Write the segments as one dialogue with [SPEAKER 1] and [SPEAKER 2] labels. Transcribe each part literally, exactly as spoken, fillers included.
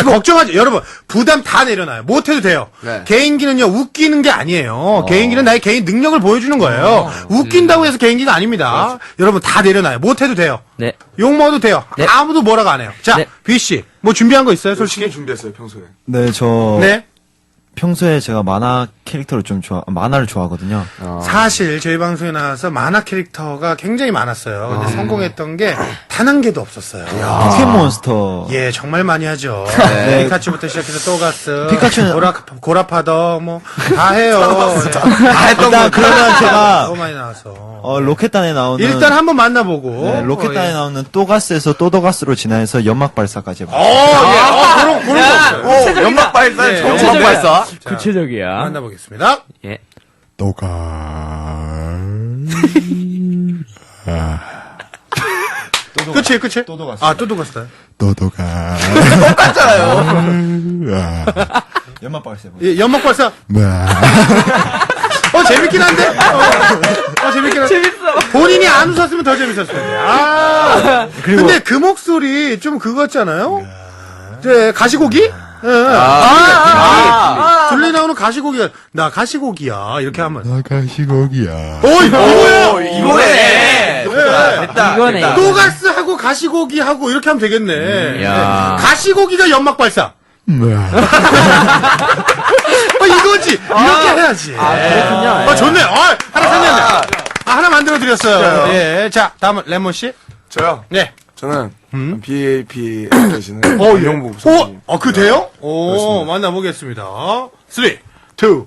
[SPEAKER 1] 아, 걱정하지. 여러분, 부담 다 내려놔요. 못해도 돼요.
[SPEAKER 2] 네.
[SPEAKER 1] 개인기는요, 웃기는 게 아니에요.
[SPEAKER 2] 어.
[SPEAKER 1] 개인기는 나의 개인 능력을 보여주는 거예요.
[SPEAKER 2] 어.
[SPEAKER 1] 웃긴다고 해서 개인기가 아닙니다.
[SPEAKER 2] 그렇죠.
[SPEAKER 1] 여러분, 다 내려놔요. 못해도 돼요.
[SPEAKER 3] 네.
[SPEAKER 1] 욕 먹어도 돼요.
[SPEAKER 3] 네.
[SPEAKER 1] 아무도 뭐라고 안 해요. 자,
[SPEAKER 3] 네.
[SPEAKER 1] B씨, 뭐 준비한 거 있어요, 솔직히?
[SPEAKER 2] 솔직히 준비했어요, 평소에.
[SPEAKER 4] 네, 저
[SPEAKER 1] 네.
[SPEAKER 4] 평소에 제가 만화 캐릭터를 좀 좋아, 만화를 좋아하거든요.
[SPEAKER 1] 사실 저희 방송에 나와서 만화 캐릭터가 굉장히 많았어요. 근데 성공했던 게 단 한 개도 없었어요.
[SPEAKER 4] 포켓몬스터.
[SPEAKER 1] 예, 정말 많이 하죠.
[SPEAKER 4] 네.
[SPEAKER 1] 피카츄부터 시작해서 또가스,
[SPEAKER 4] 피카츄는-
[SPEAKER 1] 고라, 고라파더, 뭐, 다 해요. 네.
[SPEAKER 4] 다 했던 거. 그러면 제가
[SPEAKER 1] 너무 많이 나와서.
[SPEAKER 4] 어, 로켓단에 나오는
[SPEAKER 1] 일단 한번 만나보고.
[SPEAKER 4] 네, 로켓단에
[SPEAKER 1] 어, 예.
[SPEAKER 4] 나오는 또가스에서 또더가스로 진화해서 연막 발사까지 해봤어요.
[SPEAKER 1] 어, 예. 어, 그런, 그런 거 없어요.
[SPEAKER 2] 연막 발사,
[SPEAKER 1] 네.
[SPEAKER 2] 연막
[SPEAKER 3] 구체적이야.
[SPEAKER 2] 발사.
[SPEAKER 3] 구체적이야.
[SPEAKER 1] 만나보겠습니다.
[SPEAKER 3] 예.
[SPEAKER 5] 또가
[SPEAKER 1] 끝이, 끝이?
[SPEAKER 4] 또더가스.
[SPEAKER 1] 아, 또도가스다.
[SPEAKER 5] 또도가
[SPEAKER 4] 연막 발사 해봤어요.
[SPEAKER 1] 예, 연막 발사. 어, 재밌긴 한데? 어, 어 재밌긴 한데. 재밌어. 본인이 안 웃었으면 더 재밌었을 텐데. 아. 근데 그 목소리 좀 그거 같잖아요? 네, 가시고기? 예. 아, 아, 아, 둘리 나오는 가시고기가, 나 가시고기야. 이렇게 하면.
[SPEAKER 5] 나 가시고기야.
[SPEAKER 1] 어, 이거야!
[SPEAKER 2] 이거네.
[SPEAKER 3] 됐다. 이거네.
[SPEAKER 1] 또가스하고 가시고기하고 이렇게 하면 되겠네.
[SPEAKER 3] 야.
[SPEAKER 1] 네. 가시고기가 연막 발사. 어, 이거지. 이렇게 해야지.
[SPEAKER 3] 아, 그렇군요.
[SPEAKER 1] 어, 좋네. 어, 하나 생겼네. 아, 하나 만들어드렸어요. 예. 자, 다음은 레몬씨.
[SPEAKER 2] 저요?
[SPEAKER 1] 네.
[SPEAKER 2] 저는
[SPEAKER 1] 음?
[SPEAKER 2] 비에이피 되시는
[SPEAKER 1] 어, 예.
[SPEAKER 2] 이용복
[SPEAKER 1] 오,
[SPEAKER 2] 선생님.
[SPEAKER 1] 어, 그 돼요? 오, 만나보겠습니다. 삼, 이, 일, go.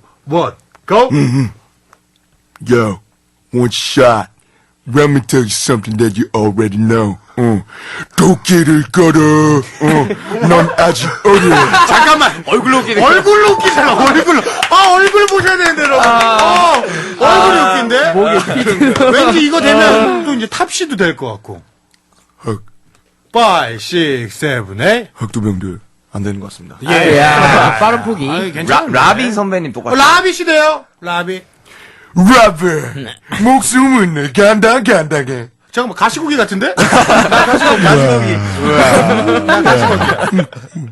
[SPEAKER 5] Yo, one shot. Let me tell you something that you already know. 어. 도끼를 걸어. 어. 넌 아직 어려.
[SPEAKER 1] 잠깐만.
[SPEAKER 2] 얼굴로 웃기네.
[SPEAKER 1] 얼굴로 웃기잖아, 얼굴로. 아, 얼굴 보셔야 되는데, 여러분. 어, 얼굴이 웃긴데? 목에 왠지 이거 되면 또 이제 탑시도 될 것 같고.
[SPEAKER 5] 흑,
[SPEAKER 1] 오, 육, 칠, 팔.
[SPEAKER 5] 흑두병들. 안 되는 것 같습니다.
[SPEAKER 1] 예.
[SPEAKER 3] 야, 빠른 포기.
[SPEAKER 1] 아유, 괜찮은데.
[SPEAKER 2] 라비 선배님
[SPEAKER 1] 어,
[SPEAKER 2] 똑같아요.
[SPEAKER 1] 라비 씨대요? 라비.
[SPEAKER 5] 라베. 목숨은 내 간다, 간다게.
[SPEAKER 1] 잠깐만, 가시고기 같은데? 나 가시고기, 가시고기. 나 가시고기야.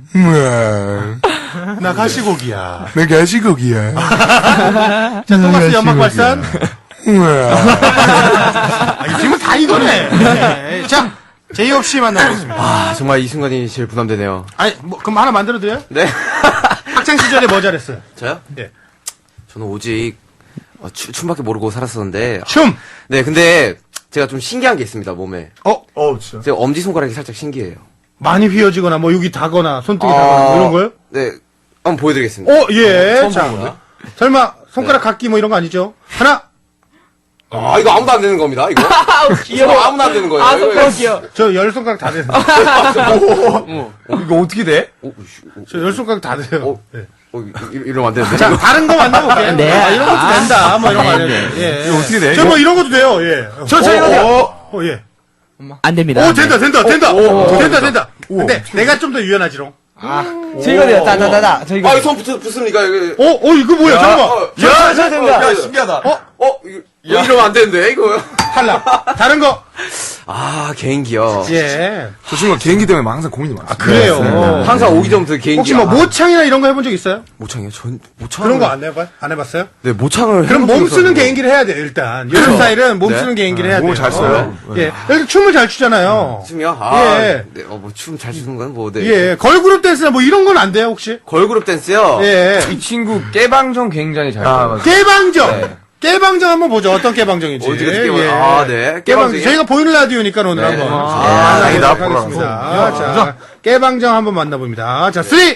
[SPEAKER 5] 우와.
[SPEAKER 1] 나 가시고기야.
[SPEAKER 5] 내 가시고기야.
[SPEAKER 1] 자, 또가스 연막 발산.
[SPEAKER 5] 우와.
[SPEAKER 1] 아, 이 팀은 다 이거네. 네. 자, 제이홉 씨 만나보겠습니다.
[SPEAKER 2] 아, 정말 이 순간이 제일 부담되네요.
[SPEAKER 1] 아니, 뭐, 그럼 하나 만들어드려요?
[SPEAKER 2] 네.
[SPEAKER 1] 학창시절에 뭐 잘했어요?
[SPEAKER 2] 저요?
[SPEAKER 1] 예.
[SPEAKER 2] 저는 오직 어, 추, 춤밖에 모르고 살았었는데.
[SPEAKER 1] 춤!
[SPEAKER 2] 네, 근데 제가 좀 신기한 게 있습니다, 몸에.
[SPEAKER 1] 어? 어, 진짜.
[SPEAKER 2] 제가 엄지손가락이 살짝 신기해요.
[SPEAKER 1] 많이 휘어지거나, 뭐, 여기 다거나, 손등이
[SPEAKER 2] 아,
[SPEAKER 1] 다거나, 뭐 이런 거요?
[SPEAKER 2] 네. 한번 보여드리겠습니다.
[SPEAKER 1] 어, 예.
[SPEAKER 2] 처음
[SPEAKER 1] 자,
[SPEAKER 2] 보는 거야?
[SPEAKER 1] 설마, 손가락 각기 뭐 이런 거 아니죠? 하나,
[SPEAKER 2] 아, 이거 아무도 안 되는 겁니다, 이거. 귀여워. 아무나 안 되는 거예요.
[SPEAKER 3] 아,
[SPEAKER 2] 이거,
[SPEAKER 3] 너무 귀여워.
[SPEAKER 1] 저 열 손가락 다 돼요.
[SPEAKER 2] 어, 이거 어떻게 돼? 어, 씨, 어,
[SPEAKER 1] 저 열 손가락 다 돼요.
[SPEAKER 2] 어,
[SPEAKER 1] 네.
[SPEAKER 2] 어, 이- 이- 이러면 안 되는데.
[SPEAKER 1] 자, 다른 거 만나볼게요.
[SPEAKER 3] 네.
[SPEAKER 1] 아, 이런 것도 된다. 뭐 이런 거 아니에요. 예. 이거 어떻게 돼? 저 뭐 이런 것도 돼요. 예.
[SPEAKER 2] 저, 저 이거 돼요.
[SPEAKER 1] 어, 어, 예.
[SPEAKER 3] 안 됩니다.
[SPEAKER 1] 오, 된다, 된다, 된다. 된다, 된다. 근데 내가 좀 더 유연하지롱.
[SPEAKER 3] 저 이거 돼요. 따다다다. 저 이거.
[SPEAKER 2] 아, 이거 손 붙, 붙습니까? 이거.
[SPEAKER 1] 어, 어, 이거 뭐야? 잠깐만.
[SPEAKER 2] 야, 저 된다. 야, 신기하다. 어? 어? 이거, 어, 이러면 안 되는데, 이거.
[SPEAKER 1] 탈락. 다른 거.
[SPEAKER 2] 아, 개인기요.
[SPEAKER 1] 예.
[SPEAKER 2] 저 친구가 개인기 때문에 항상 고민이 많습니다.
[SPEAKER 1] 그래요.
[SPEAKER 2] 항상 오기 전부터 개인기.
[SPEAKER 1] 혹시 뭐
[SPEAKER 2] 아,
[SPEAKER 1] 모창이나 이런 거 해본 적 있어요?
[SPEAKER 2] 모창이요? 전, 모창.
[SPEAKER 1] 그런 거 안 해봐? 안 해봤어요?
[SPEAKER 2] 네, 모창을.
[SPEAKER 1] 그럼
[SPEAKER 2] 해본
[SPEAKER 1] 몸
[SPEAKER 2] 적이
[SPEAKER 1] 쓰는
[SPEAKER 2] 없어요.
[SPEAKER 1] 개인기를 해야 돼요, 일단. 요즘 스타일은 몸
[SPEAKER 2] 네?
[SPEAKER 1] 쓰는 개인기를 해야 돼요.
[SPEAKER 2] 몸을 잘 써요?
[SPEAKER 1] 예. 일단 춤을 잘 추잖아요.
[SPEAKER 2] 춤이요? 아,
[SPEAKER 1] 예.
[SPEAKER 2] 네, 어, 뭐, 춤 잘 추는 건 뭐, 네.
[SPEAKER 1] 예. 걸그룹 댄스나 뭐 이런 건 안 돼요, 혹시?
[SPEAKER 2] 걸그룹 댄스요?
[SPEAKER 1] 예.
[SPEAKER 6] 이 친구 깨방정 굉장히 잘
[SPEAKER 2] 아,
[SPEAKER 6] 돼요.
[SPEAKER 1] 깨방정! 깨방정 한번 보죠. 어떤 깨방정인지.
[SPEAKER 2] 어디 어떻게 깨방- 아, 네.
[SPEAKER 1] 깨방정.
[SPEAKER 2] 깨방정이요?
[SPEAKER 1] 저희가 보이는 라디오니까 오늘
[SPEAKER 2] 네.
[SPEAKER 1] 한번.
[SPEAKER 2] 아,
[SPEAKER 1] 만나보도록
[SPEAKER 2] 다행이다.
[SPEAKER 1] 하겠습니다. 자, 깨방정 한번 만나봅니다. 자, 삼, 이, 일,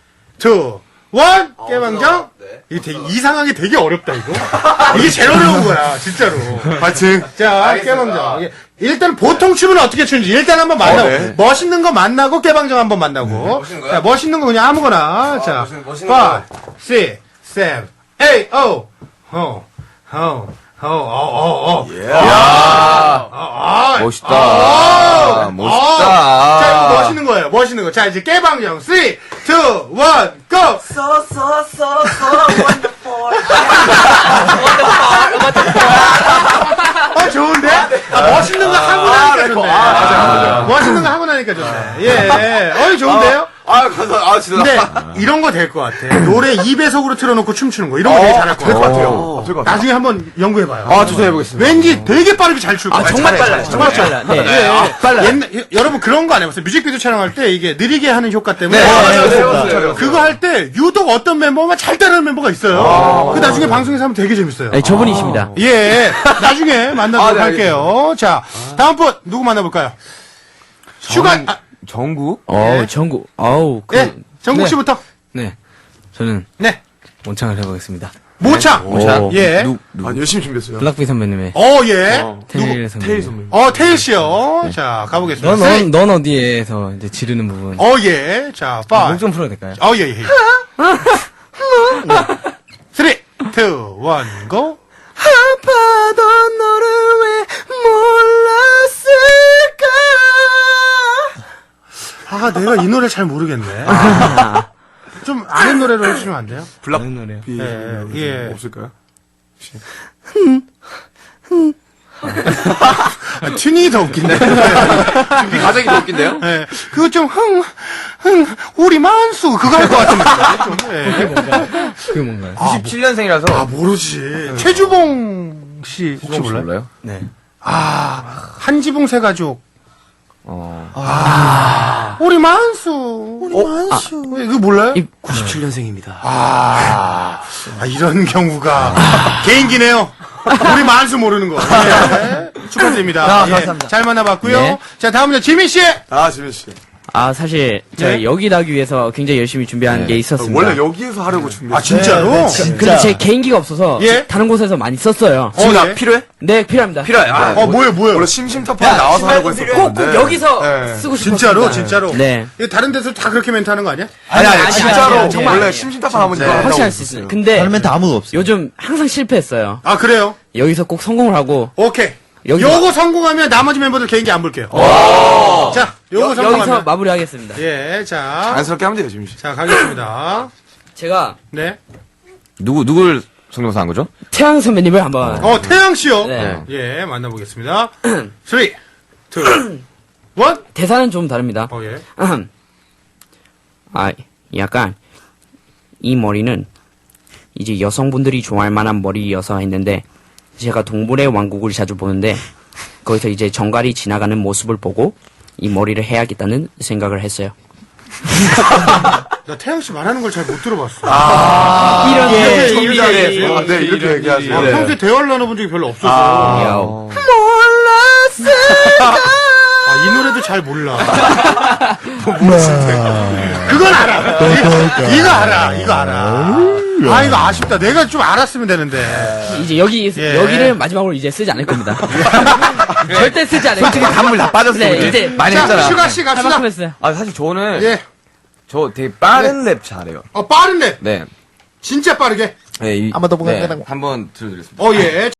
[SPEAKER 1] 깨방정.
[SPEAKER 2] 네.
[SPEAKER 1] 이게 되게 이상하게 되게 어렵다, 이거. 이게 제일 어려운 거야, 진짜로.
[SPEAKER 5] 파이팅.
[SPEAKER 1] 자, 깨방정. 이게 일단 보통 춤은 어떻게 추는지 일단 한번 만나고.
[SPEAKER 2] 어, 네.
[SPEAKER 1] 멋있는 거 만나고 깨방정 한번 만나고.
[SPEAKER 2] 멋있는 거요?
[SPEAKER 1] 자, 멋있는 거 그냥 아무거나. 자,
[SPEAKER 2] 멋있는- 멋있는
[SPEAKER 1] 오,
[SPEAKER 2] 거.
[SPEAKER 1] 육, 칠, 팔, 오. 어, 어, 어, 어, 어, 어.
[SPEAKER 2] 예.
[SPEAKER 1] 아, 아,
[SPEAKER 6] 멋있다.
[SPEAKER 1] 아,
[SPEAKER 6] 멋있다.
[SPEAKER 1] 아. 자, 이거 멋있는 거예요. 멋있는 거. 자, 이제 깨방정. 삼, 이, 일, 고!
[SPEAKER 2] So, so, so, so wonderful.
[SPEAKER 1] 어, 좋은데? 아, 멋있는 거 하고 나니까 좋네.
[SPEAKER 2] 아, 맞아, 맞아.
[SPEAKER 1] 멋있는 거 하고 나니까 좋네. 예. 어이, 좋은데요?
[SPEAKER 2] 아, 아, 감사, 아, 진짜.
[SPEAKER 1] 근데 이런 거 될 것 같아. 노래 이 배속으로 틀어놓고 춤추는 거. 이런 거 되게 잘할 것
[SPEAKER 2] 될 것
[SPEAKER 1] 같아.
[SPEAKER 2] 같아요. 될 것 같아요.
[SPEAKER 1] 나중에 한번 연구해봐요.
[SPEAKER 2] 아, 도전해보겠습니다.
[SPEAKER 1] 왠지 되게 빠르게 잘 출 거야.
[SPEAKER 3] 정말 빨라요. 정말 빨라. 네.
[SPEAKER 1] 예,
[SPEAKER 3] 아, 빨라요.
[SPEAKER 1] 옛날, 여러분 그런 거 안 해봤어요? 뮤직비디오 촬영할 때 이게 느리게 하는 효과 때문에.
[SPEAKER 2] 네, 맞아요.
[SPEAKER 1] 어,
[SPEAKER 2] 네, 해봤어요.
[SPEAKER 1] 그거 할 때 유독 어떤 멤버만 잘 따르는 멤버가 있어요. 그 나중에 방송에서 하면 되게 재밌어요.
[SPEAKER 3] 네, 저분이십니다.
[SPEAKER 1] 예, 나중에 만나도록
[SPEAKER 2] 아, 네,
[SPEAKER 1] 할게요. 자, 다음 분 누구 만나볼까요? 슈가, 아,
[SPEAKER 6] 정국?
[SPEAKER 3] 어우, 정구. 어우, 그.
[SPEAKER 1] 예, 정국
[SPEAKER 3] 네.
[SPEAKER 1] 씨부터.
[SPEAKER 7] 네. 저는
[SPEAKER 1] 네,
[SPEAKER 7] 원창을 해보겠습니다.
[SPEAKER 1] 모창.
[SPEAKER 3] 모창.
[SPEAKER 1] 예,
[SPEAKER 2] 아, 열심히 준비했어요.
[SPEAKER 7] 블락비 선배님의
[SPEAKER 1] 어, 예.
[SPEAKER 7] 테일 선배님.
[SPEAKER 1] 어, 테일 씨요. 자, 가보겠습니다.
[SPEAKER 7] 넌, 넌, 넌 어디에서 이제 지르는 부분.
[SPEAKER 1] 어, 예. 자, 파이.
[SPEAKER 7] 목 좀 풀어도 될까요?
[SPEAKER 1] 어, 예, 예. 쓰리, 투, 원, 고.
[SPEAKER 3] 아파도 너를 왜 몰랐을까?
[SPEAKER 1] 아, 내가 이 노래 잘 모르겠네. 좀 아는 노래로 해주시면 안 돼요?
[SPEAKER 2] 블락.
[SPEAKER 7] 다른 노래요.
[SPEAKER 2] 비.
[SPEAKER 1] 예, 예.
[SPEAKER 2] 없을까요?
[SPEAKER 1] 아, 튜닝이 더 웃긴데.
[SPEAKER 2] 준비 과정이 더 웃긴데요?
[SPEAKER 1] 예. 그거 좀, 흥, 흥, 우리 만수. 그거 할 것 같은데. 좀, 예.
[SPEAKER 7] 그게 뭔가요?
[SPEAKER 6] 구십칠 년생이라서.
[SPEAKER 1] 아, 모르지. 최주봉 씨 혹시 몰라요?
[SPEAKER 6] 몰라요?
[SPEAKER 7] 네.
[SPEAKER 1] 아, 한지붕 세 가족.
[SPEAKER 6] 어.
[SPEAKER 1] 아, 우리 만수. 우리 만수. 이거 몰라요?
[SPEAKER 2] 구십칠 년생입니다.
[SPEAKER 1] 아, 아, 이런 경우가 개인기네요. 우리 만수 모르는 거. 예. 축하드립니다.
[SPEAKER 3] 아,
[SPEAKER 1] 예.
[SPEAKER 3] 감사합니다.
[SPEAKER 1] 잘 만나봤고요.
[SPEAKER 3] 네.
[SPEAKER 1] 자, 다음은요, 지민 씨.
[SPEAKER 2] 아, 지민 씨.
[SPEAKER 3] 아, 사실, 저희
[SPEAKER 1] 네.
[SPEAKER 3] 여기 나기 위해서 굉장히 열심히 준비한 게 있었습니다.
[SPEAKER 2] 원래 여기에서 하려고 준비했어요.
[SPEAKER 1] 아, 진짜로?
[SPEAKER 3] 근데 제 개인기가 없어서
[SPEAKER 1] 예?
[SPEAKER 3] 다른 곳에서 많이 썼어요.
[SPEAKER 1] 어,
[SPEAKER 2] 나
[SPEAKER 1] 예.
[SPEAKER 2] 필요해?
[SPEAKER 3] 네, 필요합니다.
[SPEAKER 2] 필요해. 아,
[SPEAKER 1] 어, 뭐예요, 뭐예요?
[SPEAKER 2] 원래 심심타파 나와서 하려고 했었거든요.
[SPEAKER 3] 꼭, 꼭 여기서
[SPEAKER 2] 네.
[SPEAKER 3] 쓰고 싶었습니다.
[SPEAKER 1] 진짜로, 진짜로.
[SPEAKER 3] 네.
[SPEAKER 1] 이거 다른 데서 다 그렇게 멘트 하는 거 아니야?
[SPEAKER 2] 아니, 아니,
[SPEAKER 3] 아니,
[SPEAKER 2] 진짜로.
[SPEAKER 3] 아니, 정말
[SPEAKER 2] 원래
[SPEAKER 3] 아니에요.
[SPEAKER 2] 심심타파 하면 이거 한다고
[SPEAKER 3] 확실할 수
[SPEAKER 2] 했었어요.
[SPEAKER 3] 있어요. 근데
[SPEAKER 4] 다른 멘트 아무도 없어요.
[SPEAKER 3] 요즘 항상 실패했어요.
[SPEAKER 1] 아, 그래요?
[SPEAKER 3] 여기서 꼭 성공을 하고
[SPEAKER 1] 오케이.
[SPEAKER 3] 여기서-
[SPEAKER 1] 요거 성공하면 나머지 멤버들 개인기 안 볼게요. 자, 요거
[SPEAKER 3] 여,
[SPEAKER 1] 성공하면.
[SPEAKER 3] 여기서 마무리하겠습니다.
[SPEAKER 1] 예, 자.
[SPEAKER 2] 자연스럽게 하면 돼요, 지민 씨.
[SPEAKER 1] 자, 가겠습니다.
[SPEAKER 3] 제가
[SPEAKER 1] 네.
[SPEAKER 6] 누구, 누굴 성대모사 한 거죠?
[SPEAKER 3] 태양 선배님을 한번
[SPEAKER 1] 어, 태양 씨요.
[SPEAKER 3] 네.
[SPEAKER 1] 예, 만나보겠습니다. 쓰리, 투, 원.
[SPEAKER 3] 대사는 좀 다릅니다.
[SPEAKER 1] 어, 예.
[SPEAKER 3] 아, 약간 이 머리는 이제 여성분들이 좋아할 만한 머리여서 했는데 제가 동물의 왕국을 자주 보는데 거기서 이제 정갈이 지나가는 모습을 보고 이 머리를 해야겠다는 생각을 했어요.
[SPEAKER 1] 나 태양 씨 말하는 걸 잘 못 들어봤어.
[SPEAKER 3] 이런
[SPEAKER 1] 예,
[SPEAKER 3] 게
[SPEAKER 1] 이미
[SPEAKER 2] 아, 네, 이렇게 얘기하세요.
[SPEAKER 1] 아, 평소에 대화를 나눠본 적이 별로 없어서.
[SPEAKER 3] 야오.
[SPEAKER 1] 아, 이 노래도 잘 몰라. 뭐, 모르는데. 그건 알아. 이거, 이거 알아. 이거 알아. 아, 이거 아쉽다. 내가 좀 알았으면 되는데.
[SPEAKER 3] 이제 여기
[SPEAKER 1] 예.
[SPEAKER 3] 여기를 마지막으로 이제 쓰지 않을 겁니다. 절대 쓰지 않을 겁니다.
[SPEAKER 6] 단물 다 빠졌어.
[SPEAKER 3] 네,
[SPEAKER 6] 우리.
[SPEAKER 3] 이제
[SPEAKER 6] 많이
[SPEAKER 1] 자,
[SPEAKER 6] 했잖아.
[SPEAKER 1] 슈가 씨
[SPEAKER 3] 할
[SPEAKER 1] 갑시다.
[SPEAKER 3] 만큼 했어요.
[SPEAKER 6] 아, 사실 저는,
[SPEAKER 1] 예.
[SPEAKER 6] 저 되게 빠른 랩 잘해요.
[SPEAKER 1] 어, 빠른데.
[SPEAKER 6] 네.
[SPEAKER 1] 진짜 빠르게.
[SPEAKER 6] 네, 이,
[SPEAKER 4] 한번 더
[SPEAKER 6] 네,
[SPEAKER 4] 보겠습니다.
[SPEAKER 6] 한번 들려드리겠습니다.
[SPEAKER 1] 어, 예.